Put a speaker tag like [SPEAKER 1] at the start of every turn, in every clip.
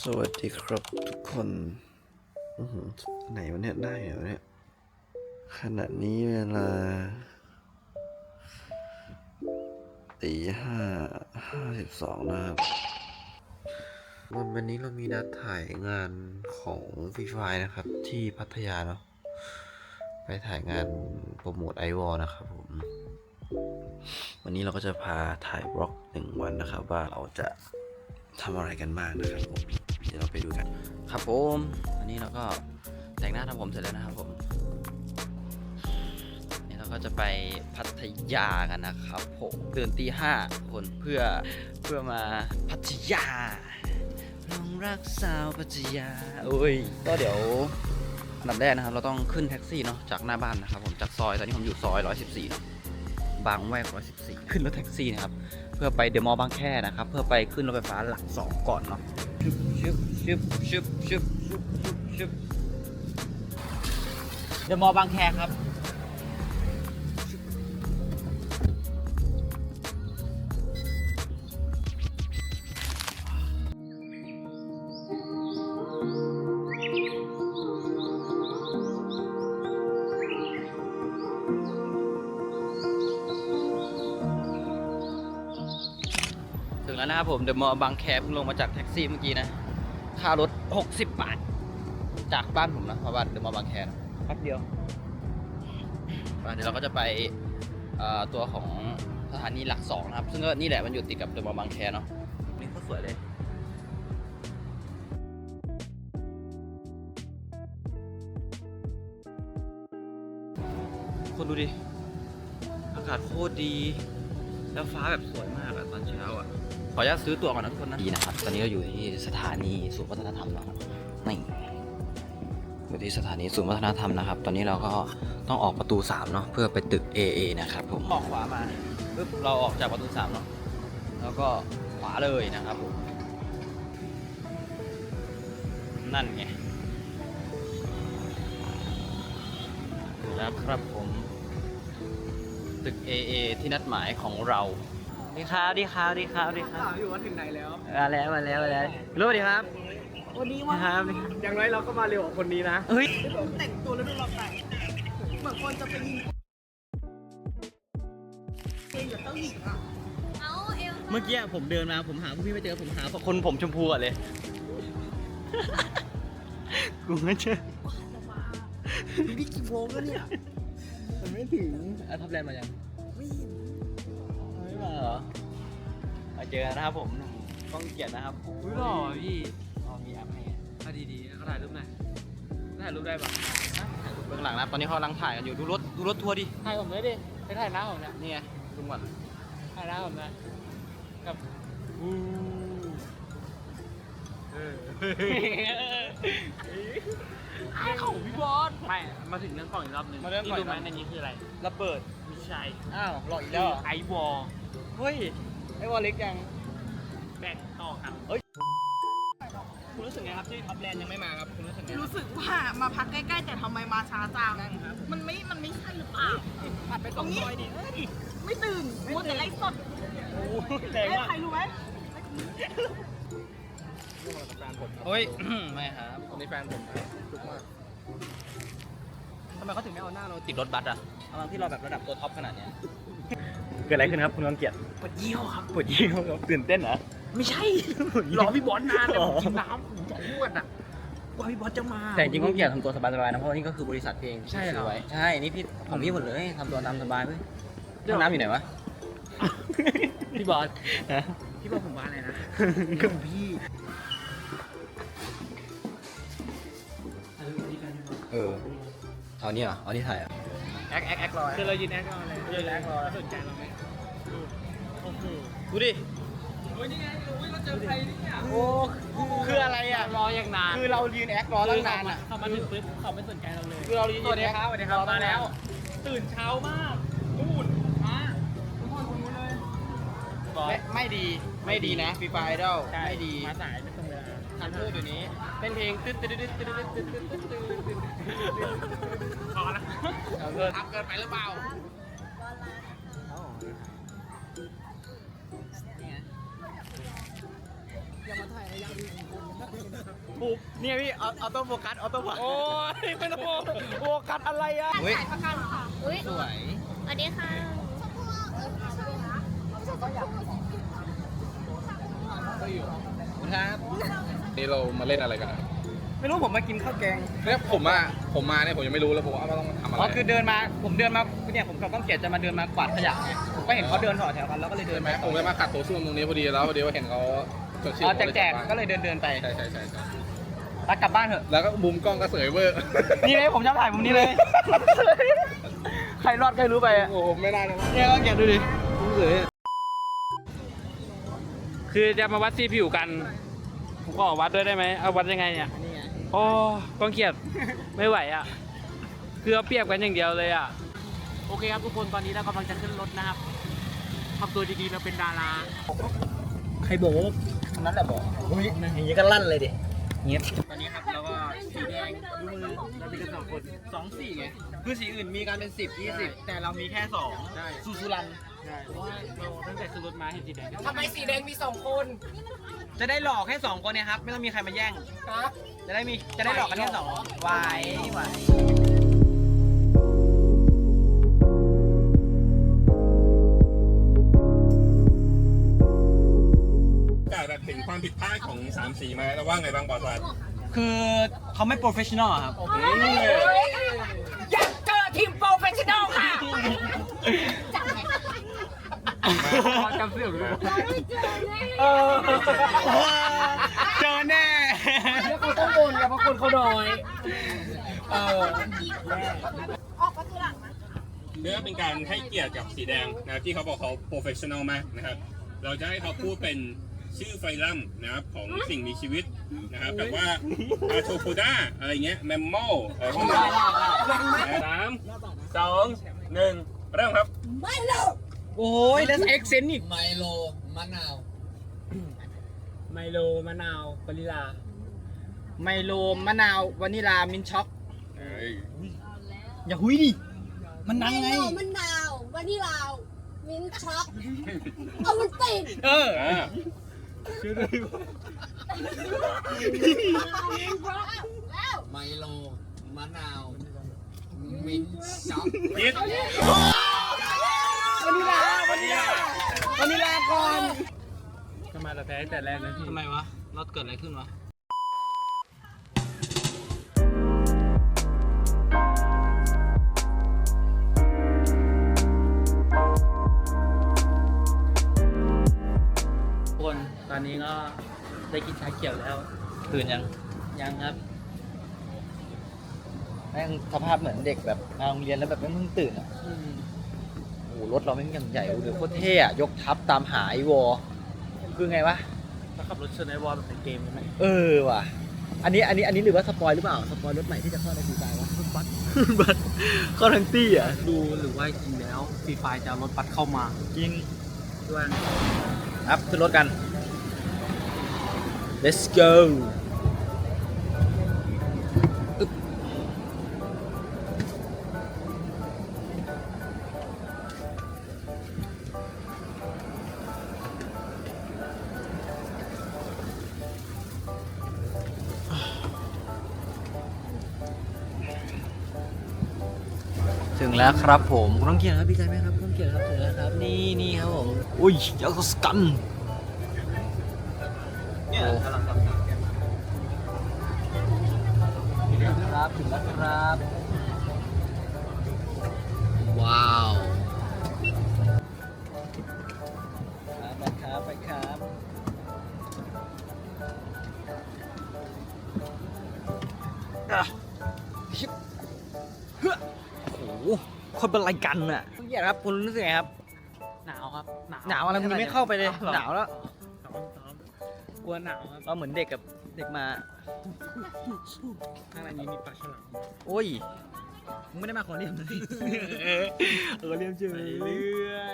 [SPEAKER 1] วัสดีครับทุกคนไหนวันนี้ได้เหรอเนี่ยขณะนี้เวลาตี 5:52นะครับวันนี้เรามีนัดถ่ายงานของฟรีไฟนะครับที่พัทยาเนาะไปถ่ายงานโปรโมทไอวอลนะครับผมวันนี้เราก็จะพาถ่ายบล็อก1 วันนะครับว่าเราจะทำอะไรกันบ้างนะครับผมเดี๋ยวเราไปดูกันครับผมอันนี้เราก็แต่งหน้าทำผมเสร็จแล้วนะครับผมนี่เราก็จะไปพัทยากันนะครับผมตื่นตี 5คนเพื่อมาพัทยาลองรักสาวพัทยาโอ้ยก็เดี๋ยวอันดับแรกนะครับเราต้องขึ้นแท็กซี่เนาะจากหน้าบ้านนะครับผมจากซอยตอนนี้ผมอยู่ซอย114เนาะบางแวก114ขึ้นรถแท็กซี่นะครับเพื่อไปเดอะมอลล์บางแคนะครับเพื่อไปขึ้นรถไฟฟ้าหลัก2ก่อนเนาะชึบเดอะมอลล์บางแคครับถึงแล้วนะครับผมเดอะมอลล์บางแคเพิ่งลงมาจากแท็กซี่เมื่อกี้นะค่ารถ60 บาทจากบ้านผมนะมาบ้านเดอะมอลล์บางแคแป๊บเดียวเดี๋ยวเราก็จะไปตัวของสถานีหลัก2นะครับซึ่งก็นี่แหละมันอยู่ติดกับเดอะมอลล์บางแคเนาะนี่ก็สวยเลยคนดูดิอากาศโคตรดีแล้วฟ้าแบบสวยมากอะตอนเช้าอะขออนุญาตซื้อตั๋วก่อนนะทุกคนนะดีนะครับตอนนี้เราอยู่ที่สถานีศูนย์วัฒนธรรมแล้วนี่อยู่ที่สถานีศูนย์วัฒนธรรมนะครับตอนนี้เราก็ต้องออกประตู3เนาะเพื่อไปตึก AA นะครับผมออกขวามาปึ๊บเราออกจากประตู3เนาะแล้วก็ขวาเลยนะครับผมนั่นไงแล้วครับผมตึก AA ที่นัดหมายของเราดีครับถาม
[SPEAKER 2] อยู่ว่าถึงไหนแล้ว
[SPEAKER 1] มาแล้วรู้ดีครับ
[SPEAKER 2] วันนี้ว่า
[SPEAKER 1] ครับ
[SPEAKER 2] อย่างไรเราก็มาเร็วกว่าคนนี้นะ
[SPEAKER 1] เฮ้ย
[SPEAKER 2] แต่งตัวแล้วดูเราแต่งเหมือนคนจะไปยิงเองกับเจ้าหญิงอ่ะ
[SPEAKER 1] เมื่อกี้ผมเดินมาผมหาพวกพี่ไม่เจอผมหาคนผมชมพูอะเลยกูไม่เจอ
[SPEAKER 2] นี่กี่โมงแล้วเนี่ยมันไม่ถึง
[SPEAKER 1] ทับแลนด์มายัง
[SPEAKER 2] ไม่เห็น
[SPEAKER 1] ไม่มาเหรอมาเจอกันนะครับผมกล้องเกียรตินะครับ
[SPEAKER 2] อุ้ยหล่อพี่
[SPEAKER 1] มีแอปให้
[SPEAKER 2] เอาดีๆเขาถ่ายรูปหน่อยถ่ายรูปได้ปะ
[SPEAKER 1] เบื้องหลังนะตอนนี้เขากำลังถ่ายกันอยู่ดูรถทัวร์ดิ
[SPEAKER 2] ถ่ายผมเลยดิไปถ่ายหน้าผมเนี่ย
[SPEAKER 1] นี่ไงดูก่อน
[SPEAKER 2] ถ่ายหน้าผมนะกับไอ้ของพี่บอสไม่มาถึงเรื่องกล่องอีกรอบนึง
[SPEAKER 1] มาเรื่องกล่อง
[SPEAKER 2] รู้ไหมในนี้คืออะไร
[SPEAKER 1] ระเบิด
[SPEAKER 2] ไม่ใช่
[SPEAKER 1] อ้าวหลอกอีกแล้วเหรอ
[SPEAKER 2] ไอวอล
[SPEAKER 1] เฮ้ยไอ้วอลเล็กยัง
[SPEAKER 2] แบ่งต่อครับคุณรู้สึกไงครับที่ท็อปแลนด์ยังไม่มาครับคุณรู้สึกไง
[SPEAKER 3] รู้สึกว่ามาพักใกล้ๆแต่ทำไมมาช้าจังมันไม่ใช่หรือเปล่า
[SPEAKER 2] ผ่านไป2 ซอยดิ
[SPEAKER 3] ไม่ตื่นมัวแต่ไลฟ์สด
[SPEAKER 2] โอ้แรง
[SPEAKER 3] เอ้ย
[SPEAKER 2] มาก
[SPEAKER 3] ใครรู้ไหม
[SPEAKER 1] เฮ้ย ไม่ครับคนนี้แฟนผมทำไมเขาถึงไม่เอาหน้าเราติดรถบัสอะทั้งที่เราแบบระดับตัวท็อปขนาดเนี้ยเกิดอะไรขึ้นครับคุณกังเกียรติ
[SPEAKER 2] ปวดเยี่ยวครับ
[SPEAKER 1] ปวดยี่ห้อครับตื่นเต้นเหรอ
[SPEAKER 2] ไม่ใช่รอพี่บอสนานเลยผมกินน้ำผมจะอ้วนอ่ะกว่าพี่บอสจะมา
[SPEAKER 1] แต่จริงๆกังเกียรติทำตัวสบายๆนะเพราะว่านี่ก็คือบริษัทเพลง
[SPEAKER 2] ใช่เหรอ
[SPEAKER 1] ไว้ใช่นี่พี่ของพี่หมดเลยทำตัวตามสบายเว้ยห้องน้ำอยู่ไหนวะ
[SPEAKER 2] พี่บอส
[SPEAKER 1] ฮะ
[SPEAKER 2] พี่บอสผมว่าอะไรนะ
[SPEAKER 1] ก็
[SPEAKER 2] พี่
[SPEAKER 1] เอานี่เหรอเอานี่ถ่ายอ่ะ
[SPEAKER 2] แอครอคือเรายืนแอครอเลยยืนแอครอสนใจเราไหมโอ้โห
[SPEAKER 1] ดูดิ
[SPEAKER 2] โอ้ยนี่ไงเราเจอใครเนี่ย
[SPEAKER 1] โอ้คืออะไรอ่ะ
[SPEAKER 2] รออย่างนาน
[SPEAKER 1] คือเรายืนแอครอตั้งนานอ่ะ
[SPEAKER 2] เขามาถึงปุ๊บเขาไม่สนใจเราเลย
[SPEAKER 1] คือเรายืน
[SPEAKER 2] สวัสดีครับ
[SPEAKER 1] สวัสดีครับ
[SPEAKER 2] มาแล้ว ตื่นเช้ามากนู่นมาทุกคนคนนู้นเลยบอส
[SPEAKER 1] ไม่ดีนะฟรีไฟดอล
[SPEAKER 2] ใช่
[SPEAKER 1] ไม่ดี
[SPEAKER 2] มาสายไม่ตรงเวลา
[SPEAKER 1] ทันพูดอยู่นี้เป็นเพลงตึ๊ดตึ๊ดตึ๊ดตึ๊ดตึ๊ดตึ๊ดตึ๊ดตึ๊ดตึ๊ดตึ๊ด
[SPEAKER 2] พอแล้ว
[SPEAKER 1] เกินทับเกินไปหรือเปล่าเนี่ยพี่ออโต้โฟกัสออโต้โฟกัส
[SPEAKER 2] โอ้ยไม่ต้องโฟกัสอะไรอ่ะ
[SPEAKER 1] เฮ้ย
[SPEAKER 3] ประกันค่ะ
[SPEAKER 4] อุ้ย
[SPEAKER 1] สวย
[SPEAKER 4] สวัสดีค่ะ
[SPEAKER 1] ครับ
[SPEAKER 5] นี่เรามาเล่นอะไรกันอะ
[SPEAKER 2] ไม่รู้ผมมากินข้าวแกง
[SPEAKER 5] เนี่ยผมมาเนี่ยผมยังไม่รู้เลยผมว่าต้องทำอะไร
[SPEAKER 2] อ๋อคือเดินมาผมเดินมาเนี่ยผมกับก้องเกียรติจะมาเดินมากวาดขยะไงผมก็เห็นเขาเดินต่อแถวกันแล้วก็เลยเดิ
[SPEAKER 5] ใช่
[SPEAKER 2] น
[SPEAKER 5] ไหมผมเลยมาขัดตัวช่วงตรงนี้พอดีแล้วพอดีว่าเห็นเขาจดชื่อ
[SPEAKER 2] อ๋อ
[SPEAKER 5] ผม
[SPEAKER 2] แจกก็เลยเดินไป
[SPEAKER 5] ใช่ใช่ใช่
[SPEAKER 2] ตักกลับบ้านเถอะ
[SPEAKER 5] แล้วก็มุมกล้องก็เสยเวอร์
[SPEAKER 2] นี่เลยผมจะถ่ายมุมนี้เลย ใครรอดใครรู้ไปอ่ะ
[SPEAKER 5] โอ้โหไม่ได้นะ
[SPEAKER 2] เนี่ยก้องเกียรติดูดิผมเสย
[SPEAKER 6] คือจะมาวัดซีผิวกัน ผมก็วัดด้วยได้ไหมเอาวัดยังไงเนี่ย
[SPEAKER 2] นี่ไง
[SPEAKER 6] โอ้ก้องเกียรติไม่ไหวอ่ะ คือเอาเปรียบกันอย่างเดียวเลยอ่ะ โอเคครับทุกคนตอนนี้เรากำลังจะขึ้นรถนะครับทำตัวดีๆเราเป็นดารา
[SPEAKER 2] ใครบอกว่าคนนั้นแหละบอกอุ้ยอย่างนี้ก็ลั่นเลยดิเงี้ยตอนนี้ครับเราก็สีแดงดูมือเรามีกันสองคน2 4ไงคือสีอื่นมีกันเป็น10 20แต่เรามีแค่2ใช่สุรัน
[SPEAKER 6] ใช่เพราะว่าเราตั้งแต่ซื้อรถมาเห็นสีแดง
[SPEAKER 2] ทำไมสีแดงมี2 คนจะได้หลอกแค่2 คนเนี่ยครับไม่ต้องมีใครมาแย่งจะได้หลอกกันแค่2ไหว
[SPEAKER 7] แบบถึงความผิดพลาดของ3 สีมาแล้วว่าไงบ้างบอสวัส
[SPEAKER 2] คือเขาไม่โปรเฟชชั่นอลครับอยากเจอทีมโปรเฟชชั่นอลค่ะ
[SPEAKER 6] จำเสื้อเลย
[SPEAKER 2] เจอแน่แล้วเขาต้องบนกับเพราะคนเขาน้อย
[SPEAKER 3] ออกประตูหลังนะ
[SPEAKER 7] เพื่อเป็นการให้เกียรติกับสีแดงนะครับที่เขาบอกเขาโปรเฟชชั่นอลมากนะครับเราจะให้เขาพูดเป็นชื่อไฟลัมนะครับของสิ่งมีชีวิตนะครับแบบว่าอาโทโพดาอะไรเงี้ยแมมโมอะไรพวกนี้3 2 1 เริ่มครับ
[SPEAKER 2] โอ้ยแล้วเอ็กเซนต์อีก
[SPEAKER 6] ไมโลมะนาววานิลา
[SPEAKER 2] ไมโลมะนาววานิลามินช็อก
[SPEAKER 7] เอ้ย
[SPEAKER 2] อย่าหุยดิมันนังไง
[SPEAKER 4] มะนาววานิลามิ้นช็อกเอามันติด
[SPEAKER 2] เออ
[SPEAKER 7] อ่า
[SPEAKER 6] ไมโลมะนาวมิ้นช็อก
[SPEAKER 7] คิด
[SPEAKER 2] วานิลาก่อน
[SPEAKER 6] ทำไมเราแพ้แต่แรกนะพี่
[SPEAKER 2] ทำไมวะเราเกิดอะไรขึ้นวะ
[SPEAKER 6] ทุกคนตอนนี้ก็ได้กินชาเขียวแล้ว
[SPEAKER 1] ตื่นยัง
[SPEAKER 6] ยังครับ
[SPEAKER 1] แม่งสภาพเหมือนเด็กแบบมาโรงเรียนแล้วแบบไม่เพิ่งตื่นอ่ะโอ้โหรถเราแม่งอย่างใหญ่เลยโคตรเท่อะยกทับตามหาไอ้วอคือไงวะ
[SPEAKER 6] ถ้าขับรถชนไอ้วอลแบบในเกมใช่ไหม
[SPEAKER 1] เออว่ะ อันนี้หรือว่าสปอยหรือเปล่า สปอยรถใหม่ที่จะเข้าในฟรีไฟวะรถบัส บัสเข้าทั้งตี้อ่ะ
[SPEAKER 6] ดูหรือว่าจริงแล้วฟรีไฟจะเอารถบัสเข้ามา
[SPEAKER 1] จริง
[SPEAKER 6] ด้วย
[SPEAKER 1] ครับขึ้นรถกัน let's go อึ๊บถึงแล้วครับผมคุณต้องเกียรติครับพี่ใจไหมครับคุณต้องเกียรติครับถึงแล้วครับนี่ครับผมอุ้ยยักษ์สกัน
[SPEAKER 2] เนี่ยกำลังทำ
[SPEAKER 1] ครับถึงแล้วครับ ว้าวไปครับไปครับชิบเฮ้อโอ้โหคนเป็นไรกันน่ะคุณเกียรติครับคุณรู้สึกไงครับ
[SPEAKER 6] หนาวครับ
[SPEAKER 1] หนาวอะไรคุณยังไม่เข้าไปเลยหนาวแล้ว
[SPEAKER 6] กลัวหนาวครับ
[SPEAKER 1] เราเหมือนเด็กกับเด็กมา
[SPEAKER 6] ข้างในนี้มีปลาฉลาม
[SPEAKER 1] โอ้ยมึงไม่ได้มาขอเรียมเลยเรียมเฉย
[SPEAKER 6] เรื่อย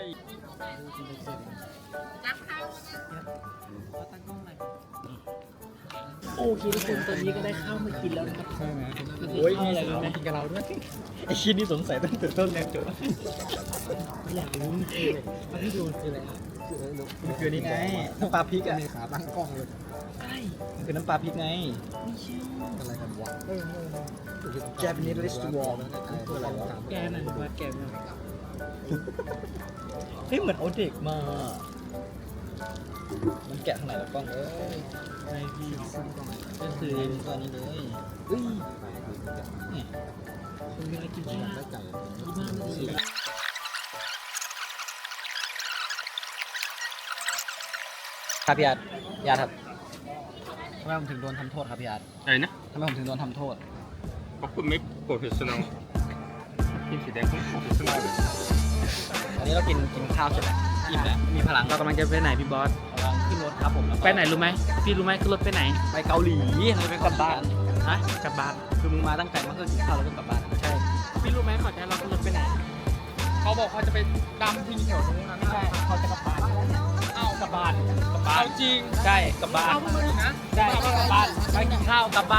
[SPEAKER 6] โอเคทุกคนตอนนี้ก็ได้ข้าวมากินแล้วนะครับใช่ไหม
[SPEAKER 1] โอ้ยมีอะไรมากินกับเราด้วยไอ้ชิ้นนี้สงสัยตั้งแต่ต้นแล้วจบ
[SPEAKER 6] อยากรู้จริงๆเลยตอนที่ดูคืออะไร
[SPEAKER 2] คือนี่ไงน้ำปลาพริกอะมีขาตั้งกล้องเลยใช่คือน้ำปลาพริกไงอะไรกันวะJapanese restaurant
[SPEAKER 6] แกหน่อยว่าแกหน่อย
[SPEAKER 2] เฮ้ยเหมือนเอาเด็กมา มันแกะข้างไหนแล้วกล้องเอ้ย
[SPEAKER 6] ไอพี่ก็คือ
[SPEAKER 2] ตัวนี้เลยเฮ้ยเนี่ย
[SPEAKER 6] คุณเวลากินข้าวได้ไก่ที่บ้านไม่ดี
[SPEAKER 2] ครับพี่อาร์ตพี่อาร์ตครับทำไมผมถึงโดนทำโทษครับพี่อาร์ต
[SPEAKER 7] อะไรนะ
[SPEAKER 2] ทำไมผมถึงโดนทำโทษ
[SPEAKER 7] เพราะคุณไม่โปรเฟชชั่นอลทีมสีแดงคุณโปรเฟชชั่นอล
[SPEAKER 2] อันนี้เรากินข้าวเสร็จแล้วอิ่มแล้วมีพลัง
[SPEAKER 6] เรากำลังจะไปไหนพี่บอส
[SPEAKER 2] กำลังขึ้นรถครับผมแล้วก็
[SPEAKER 6] ไปไหนรู้ไหมพี่รู้ไหมขึ้นรถไปไหน
[SPEAKER 2] ไปเกาหลีเราไปกลับบ้าน
[SPEAKER 6] ฮะกลับบ้าน
[SPEAKER 2] คือมึงมาตั้งใจมาเพื่อกินข้าวแล้วก็กลับบ้านใช่
[SPEAKER 6] พี่รู้ไหมเขาจะให้เราขึ้นรถไปไหน
[SPEAKER 2] เขาบอกเขาจะไปดำที่แถวนู้นนะไม่ใช่เขาจะกลับบ้านเอ้ากลับบ้านกลับบ้านจริง
[SPEAKER 6] ใช่กลับบ้าน
[SPEAKER 2] เอามึงนะ
[SPEAKER 6] ใช่กลับบ้านไปกินข้าวกลับบ้าน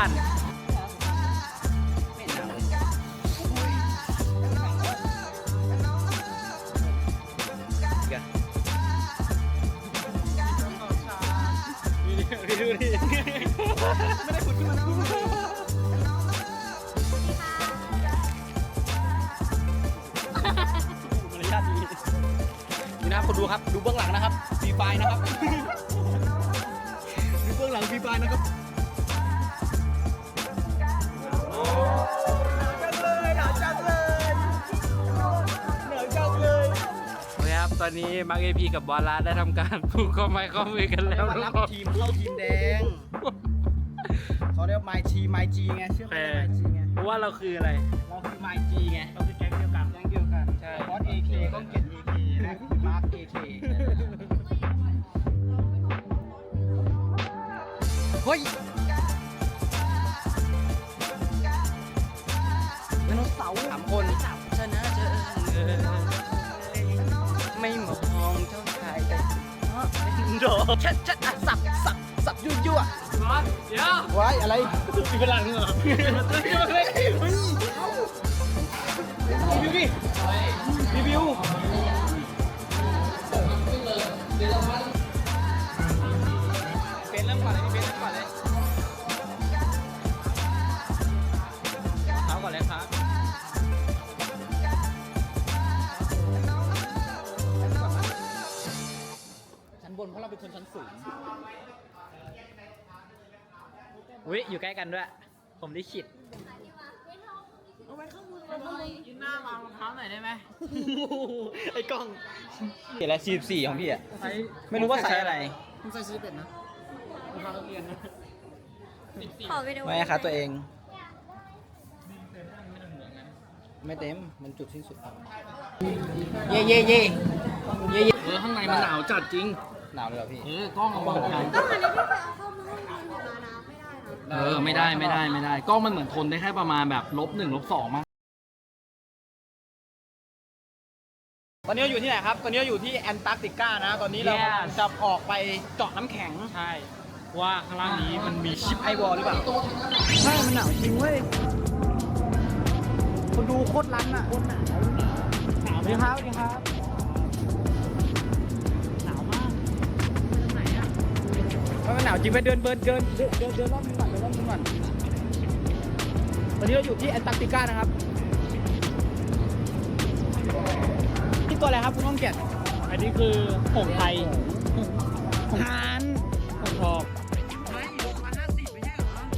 [SPEAKER 2] ดูดิไม่ได้ขุดขึ้นมาพูดมารยาทดีนี่นะคนดูครับดูเบื้องหลังนะครับฟรีไฟนะครับดูเบื้องหลังฟรีไฟนะครับหนาวจังเลยหนาวจังเลย
[SPEAKER 6] โอเคครับตอนนี้มาร์คเอพีกับบอลลาได้ทำการผูกข้อไม้ข้อมือกันแล้ว
[SPEAKER 2] มารับทีมเข้าทีมแดงเขาเรียกไมจีไมจีไงชื่อเขาเรียกไมจีไง
[SPEAKER 6] เพราะว่าเราคืออะไร
[SPEAKER 2] เราคือไมจีไง
[SPEAKER 6] เราคือแก๊งเดียวกัน
[SPEAKER 2] แดงเดียวกันใช่บอสเอเคก็เก็ตเอเคและมาร์คเอเคเฮ้ยไดโนเสาร์3 คนชนะเจอไม่มองเจ้าชายแต่โดชัดสับยั่ว
[SPEAKER 6] เดี๋ยว
[SPEAKER 2] ไว้อะไร
[SPEAKER 6] มีพลังเหรอ
[SPEAKER 2] รีวิวดิรีวิวเป็นเริ่มก่อนเลยพี่เป็นเริ่มก่อนเลยเอาก่อนเลยครับชั้นบนเพราะเราเป็นคนชั้นสูง
[SPEAKER 6] อุ้ยอยู่ใกล้กันด้วย ผมได้ขิด
[SPEAKER 3] เอาไว้ข้างบนเลยยืนหน้าวางรองเท้าหน่อยได้ไหม
[SPEAKER 2] ไอ้กล้องเขียนอะไร44ของพี่อ่ะไม่รู้ว่าไซส์อะไร
[SPEAKER 3] คุณใส่ชีสเป็ดนะ
[SPEAKER 4] ขอวิดีโอ
[SPEAKER 2] ไม่ครับตัวเอง ไม่เต็ม มันจุดสิ้นสุดครับเย่เย่เย่เย่เย่
[SPEAKER 6] ข้างในมันหนาวจัดจริง
[SPEAKER 2] หนาวเลยเหรอพี่
[SPEAKER 6] กล้องเอาวางไกล
[SPEAKER 4] ก็มันนี้พี่ไปเอาเข้ามาให้มันอยู่นะนะไม่ได้นะ
[SPEAKER 6] ไม่ได้กล้องมันเหมือนทนได้แค่ประมาณแบบ-1 -2มั้ง
[SPEAKER 2] ตอนนี้เราอยู่ที่ไหนครับ ตอนนี้เราอยู่ที่แอนตาร์กติกานะ ตอนนี้เรากำลังจะออกไปเจาะน้ำแข็ง
[SPEAKER 6] ใช่ ว่าข้างล่างนี้มันมีชิป
[SPEAKER 2] ไอวอลหรือเปล่าใช่มันหนาวจริงเว้ย คนดูโคตรรันอ่ะโคตรหนาวสวัสดีครับสวัสดีครับ
[SPEAKER 6] หนาวมาก
[SPEAKER 2] มันหนาวจริงไปเดินรอบนึงก่อนตอนนี้เราอยู่ที่แอนตาร์กติกานะครับนี่ตัวอะไรครับคุณน้องเกียรติ
[SPEAKER 6] อันนี้คือผงไทย
[SPEAKER 2] หาน
[SPEAKER 6] ผงทอง
[SPEAKER 3] ไม่650ไม่ใช่เหรอถ้า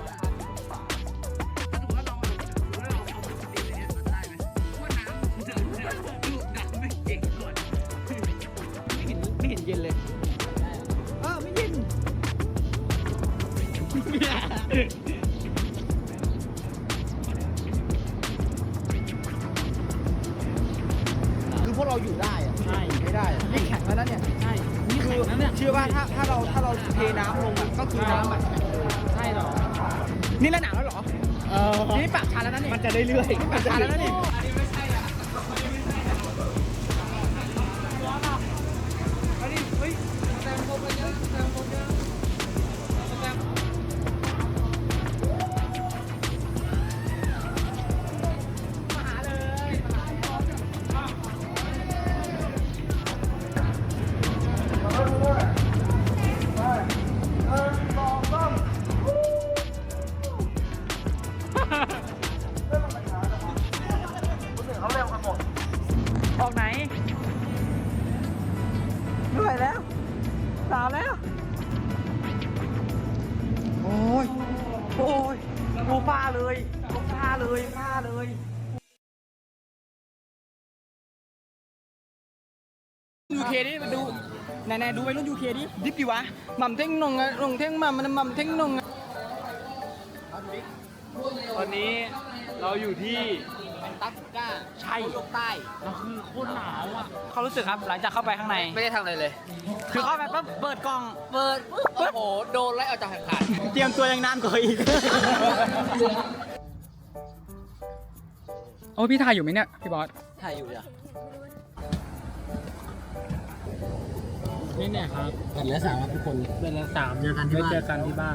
[SPEAKER 3] สมมติว่าเราเอาปกติเลยเนี่ยมันได้ไหมว่าน้ำมันจะดูน้ำไม่เก่งก่อน
[SPEAKER 2] ไม่เห็นเย็นเลยไม่เย็นคือพวกเราอยู่ได้อะ
[SPEAKER 6] ใช่
[SPEAKER 2] ไม่ได้อะนี่แข็งแล้วนะเนี่ย
[SPEAKER 6] ใช่ นี่
[SPEAKER 2] คื
[SPEAKER 6] แข็
[SPEAKER 2] อง
[SPEAKER 6] นะเนี่ย
[SPEAKER 2] เชื่อว่าถ้าเราเทน้ำลงก็คือน้ำอะ
[SPEAKER 6] ใช่เหรอ
[SPEAKER 2] นี่ระหนาวแล้วเหรอ นี่ปากชาแล้วนะนี่มันจะเรื่อยๆปากชาแล้วนะนี่ฟ้าเลยฟ้าเลยฟ้าเลย ยูเคดิมาดูไหนๆดูไปรุ่นยูเคดิดิบดีวะหม่ำเท่งนงอะนงเท่งหม่ำมันหม่ำเท่งนงอะ
[SPEAKER 6] ตอนนี้เราอยู่ที่
[SPEAKER 2] แอนตาร์กติกา
[SPEAKER 6] ใช่
[SPEAKER 2] โลกใต้
[SPEAKER 6] เราคือโคตรหนาวอ่ะ
[SPEAKER 2] เขารู้สึกครับหลังจากเข้าไปข้างใน
[SPEAKER 3] ไม่ได้ทำอะไรเลย
[SPEAKER 2] คือเข้าไปปั๊บเปิดกล่อง
[SPEAKER 3] เปิดปุ๊บโอ้โห โดนไล่ออกจากแข่งขัน
[SPEAKER 2] เตรียมตัวยังนานกว่าอีก โอ้พี่ถ่ายอยู่ไหมเนี่ยพี่บอส
[SPEAKER 3] ถ่ายอยู่จ้ะ
[SPEAKER 6] นี่เนี่ยครับ
[SPEAKER 2] กันแล้วสามทุกคน
[SPEAKER 6] เป็นละ3
[SPEAKER 2] เจอกันที่บ้าน
[SPEAKER 6] เจอกันที่บ้าน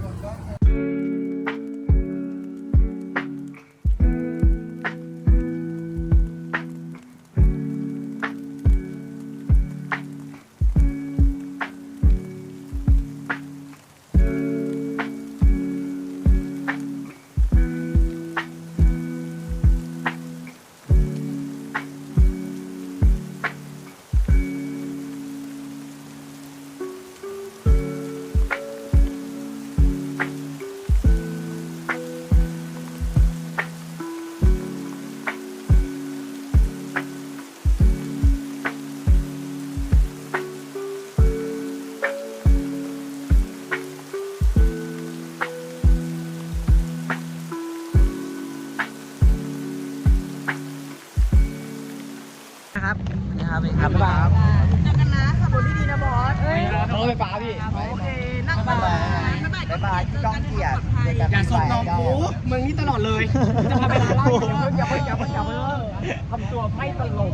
[SPEAKER 2] นะครับนี่ครับนี่ครับบ๊ายบายครับเจอกันนะขับรถดีๆนะบอสรถไฟฟ้าพี่โอเคนั่งบ๊ายบายบ๊ายบายก้องเกียรติอย่าส่งน้องกูมึงนี่ตลอดเลยจะพาไปร้านเหล้าอย่าไปทำตัวไม่ตลก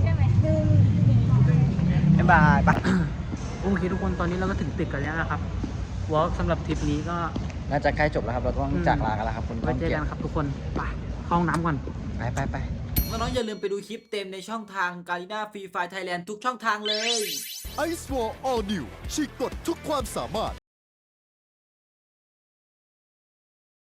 [SPEAKER 2] บ๊ายบายโอเคทุกคนตอนนี้เราก็ถึงตึกกันแล้วนะครับวอล์กสำหรับทริปนี้ก็
[SPEAKER 1] น่าจะใกล้จบแล้วครับ เราต้องจากลากันแล้วครับคุณ
[SPEAKER 2] ไว้เจอกันครับทุกคนไปเข้าห้องน้ำก่อน
[SPEAKER 1] ไป
[SPEAKER 2] น้องๆอย่าลืมไปดูคลิปเต็มในช่องทาง Garena Free Fire Thailand ทุกช่องทางเลย
[SPEAKER 8] Ice Wall All New ฉีกกฎทุกความสามารถ